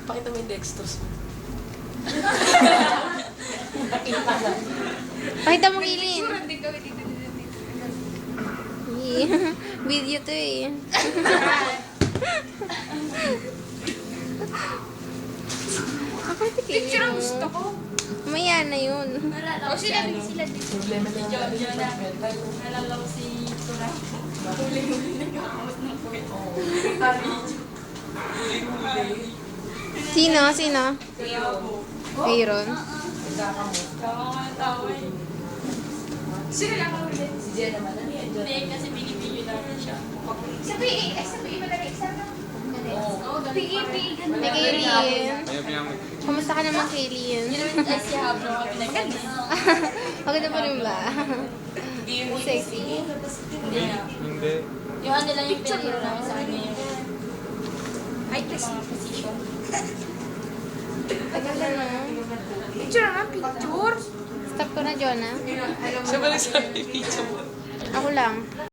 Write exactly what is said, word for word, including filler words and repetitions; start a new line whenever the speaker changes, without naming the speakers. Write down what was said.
Pakita mo yung dextrose mo.
Pakita mo Kilin.
Picture, hindi kami dito, dito, dito.
Yeah. Video to eh. Ako si
Picture ang
Kilin.
gusto ko.
Maya na yun.
O sila din, sila din.
Problema na yung
Jojo na.
mental.
Nalala ko si Turay. Huli-huli nagkakamot ng puwet.
Sino? Sino? Mayroon?
Nagkakamot.
Tawa nga ng tawa eh.
Sila lang ang ulit.
Si Jen naman, ano yan?
Hindi, kasi binibigyo namin siya.
Sa P A, ay sa P A madali. Exam lang.
Oo.
P A, P A, ganda.
Hey, Kaylin.
Ayaw pinamit.
Kamusta ka naman, Kaylin?
Yun naman ay si Hablo kami nagkanda.
Maganda pa rin ba? Sexy.
Hindi na.
Hindi.
Yung ano lang yung pinagiro namin sa kanya yung
Ay, kasi.
mga position.
Tagal na no?
Picture naman, picture.
Stop ko na, Jonah.
Siya ba nagsabi picture mo?
Ako lang.